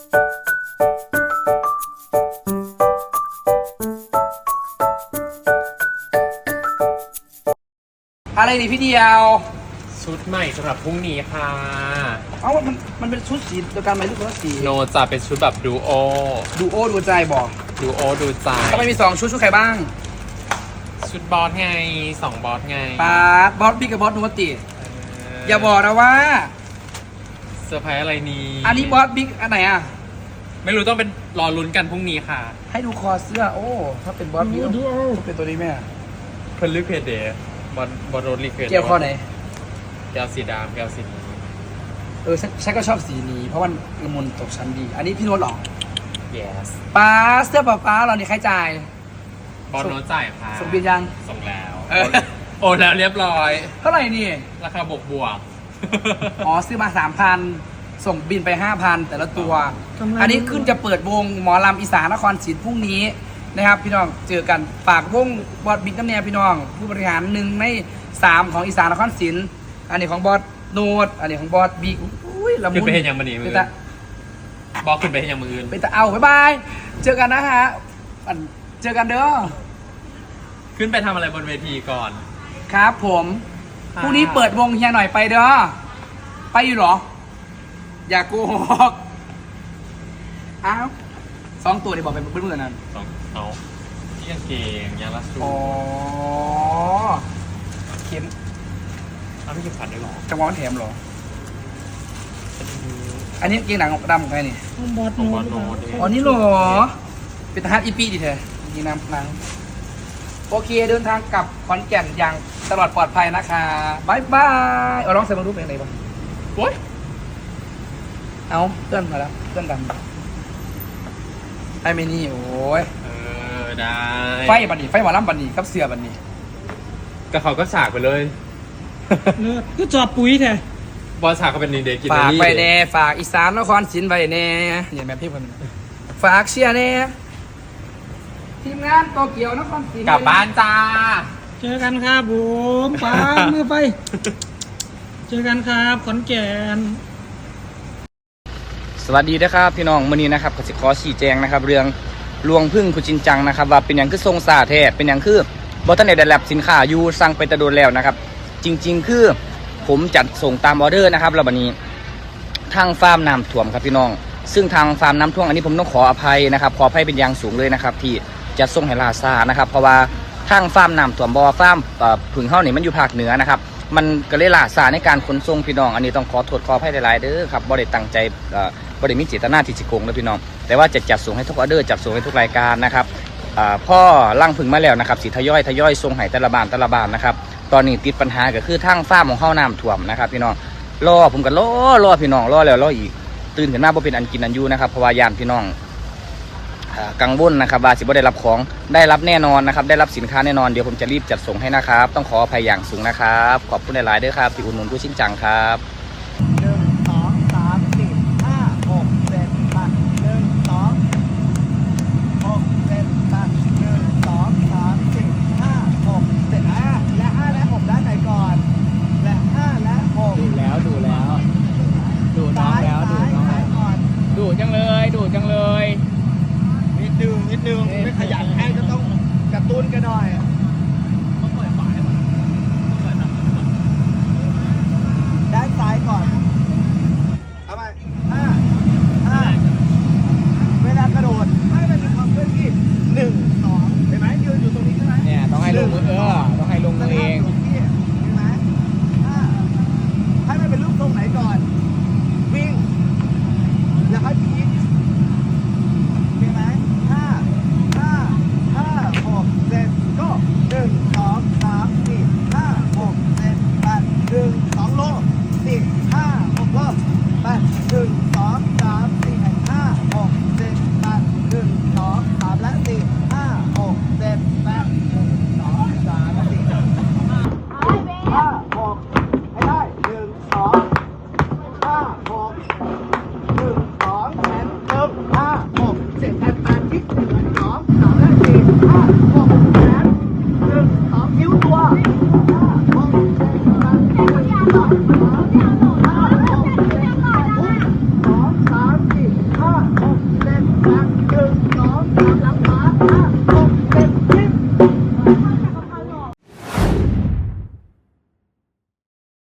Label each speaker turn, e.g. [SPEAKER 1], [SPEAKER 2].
[SPEAKER 1] อะไรนี่พี่เดียว
[SPEAKER 2] ชุดใหม่สำหรับพรุ่งนี้ค่ะ
[SPEAKER 1] เอ้ามันเป็นชุดสีเดียวกันไหมทุกคนสี
[SPEAKER 2] โนจะเป็นชุดแบบดูโอ
[SPEAKER 1] ดูใจบอก
[SPEAKER 2] ดูโอดูใจ
[SPEAKER 1] ก็ไม่มี2ชุดใครบ้าง
[SPEAKER 2] ชุดบอสไง2บอสไง
[SPEAKER 1] บอสบิ๊กกับบอสนูติอย่าบอกนะว่า
[SPEAKER 2] เซอร์ไพรส์อะไรนี้
[SPEAKER 1] อันนี้บอสบิ๊กอันไหนอ่ะ
[SPEAKER 2] ไม่รู้ต้องเป็นรอลุ้นกันพรุ่งนี้ค่ะ
[SPEAKER 1] ให้ดูคอเสื้อโอ้ถ้าเป็นบอสบิ๊กต้องเป็นตัวนี้แม่
[SPEAKER 2] เพิ่นลึกเพจเดย์บอสโรดลิเก
[SPEAKER 1] เกี่ยวข้อไหน
[SPEAKER 2] แก้วสีดำแก้วสีนี้
[SPEAKER 1] ฉันก็ชอบสีนี้เพราะมันละมุนตกชั้นดีอันนี้พี่โน้ตหรอ
[SPEAKER 2] yes
[SPEAKER 1] เสื้อป้าเราเนี่ยใครจ่าย
[SPEAKER 2] บอสโน้ตจ่ายค่ะ
[SPEAKER 1] ส่งบินยัง
[SPEAKER 2] ส่งแล้วโอนแล้วเรียบร้อย
[SPEAKER 1] เท่าไหร่นี่
[SPEAKER 2] ราคาบวก
[SPEAKER 1] อ๋อซื้อมา 3,000 ส่งบินไป 5,000 แต่ละตัวอันนี้ขึ้นจะเปิดวงหมอลำอีสานนครศรีพรุ่งนี้นะครับพี่น้องเจอกันฝากวงบอสบิ๊กน้ำแนวพี่น้องผู้บริหาร1 ใน 3ของอีสานนครศรีอันนี้ของบอสโนดอันนี้ของบอสบิ๊กอุ้ยละมุน
[SPEAKER 2] ขึ้นไปเห็นยังมันนี่มือบอกขึ้นไปเห็นยังมือ
[SPEAKER 1] ไปแต่เอาบ๊ายบายเจอกันนะฮะเจอกันเด้อ
[SPEAKER 2] ขึ้นไปทำอะไรบนเวทีก่อน
[SPEAKER 1] ครับผมพรุ่งนี้เปิดวงเฮียหน่อยไปเด้อไปอยู่หรออย่าโกหกอ้าว2 ตัวนี่บอกไปเพื่อนๆนั่น
[SPEAKER 2] เอาที่กางเกงยางรัดสู
[SPEAKER 1] อ๋อเข็ม
[SPEAKER 2] เอาไม่เข็มขัดด้วยหรอ
[SPEAKER 1] จังหวะมันแถมหรออันนี้เกงหนังดำของใครนี่
[SPEAKER 2] บอสโน้ต
[SPEAKER 1] อ๋อนี่หรอเป็นทหารอีปีดิเธอยิงน้ำหนังโอเคเดินทางกลับขอนแก่นอย่างตลอดปลอดภัยนะคะบายบายเอาลองใส่มารูปเป็นไงบ้าง
[SPEAKER 2] โอ๊ย
[SPEAKER 1] เอาเพื่อนมาแล้วเพื่อนดำไอ้เมนี่โอ้ย
[SPEAKER 2] ได้
[SPEAKER 1] ไฟบันนี่ไฟหมอลำบันนี่กับเสือบันนี่
[SPEAKER 2] ก็เขาก็ฉากไปเลย
[SPEAKER 3] ก็จอบปุ๋ยแท้
[SPEAKER 2] บอลฉากเขาเป็นนินเดกิน
[SPEAKER 1] ฝากไปแน่ฝากอีสานนครศรีไปแน่อย่างแบบพี่คนฝากเชียร์แน่ทีมงานโตเกียวนครศรี
[SPEAKER 2] กลับบ้านจ้า
[SPEAKER 3] เจอกันครับผมป้ามือไปเจอกันครับขอนแก่น
[SPEAKER 1] สวัสดีนะครับพี่น้องมื้อนี้นะครับก็สิขอชี้แจงนะครับเรื่องลวงพึ่งคุณจินจังนะครับว่าเป็นอย่างคือทรงซาแท้เป็นอย่างคือบอทันเนตได้รับสินค้าอยู่สั่งไปตะโดนแล้วนะครับจริงๆคือผมจัดส่งตามออเดอร์นะครับแล้วบัดนี้ทางฟาร์มน้ำท่วมครับพี่น้องซึ่งทางฟาร์มน้ำท่วมอันนี้ผมต้องขออภัยนะครับขออภัยเป็นอย่างสูงเลยนะครับที่จะส่งให้ลาซานะครับเพราะว่าทางฟาร์มน้ำท่วมบ่อฟาร์มผึ่งเฮานี่มันอยู่ภาคเหนือนะครับมันก็เลยลาซาในการขนส่งพี่น้องอันนี้ต้องขอโทษขออภัยหลายๆเด้อครับบ่ได้ตั้งใจบ่ได้มีเจตนาที่จะโกงนะพี่น้องแต่ว่าจะจัดส่งให้ทุกออเดอร์จัดส่งให้ทุกรายการนะครับพ่อล่างพึ่งมาแล้วนะครับสิทยอยส่งให้แต่ละบ้านนะครับตอนนี้ติดปัญหาก็คือทางฟาร์มของเฮาน้ำท่วมนะครับพี่น้องผมก็รอพี่น้องรอแล้วรออีกตื่นขึ้นมาบ่เป็นอันกินอันอยู่นะครับเพราะว่าย่านพี่น้องกังวลนะครับว่าสิบ่ได้รับของได้รับแน่นอนนะครับได้รับสินค้าแน่นอนเดี๋ยวผมจะรีบจัดส่งให้นะครับต้องขออภัยอย่างสูงนะครับขอบคุณหลายๆด้วยครับที่อุดหนุนผู้ชินจังครับ
[SPEAKER 3] นิดนึงไม่ขยันให้ก็ต้องกระตุ้นกันหน่อยด้านซ้ายก่อน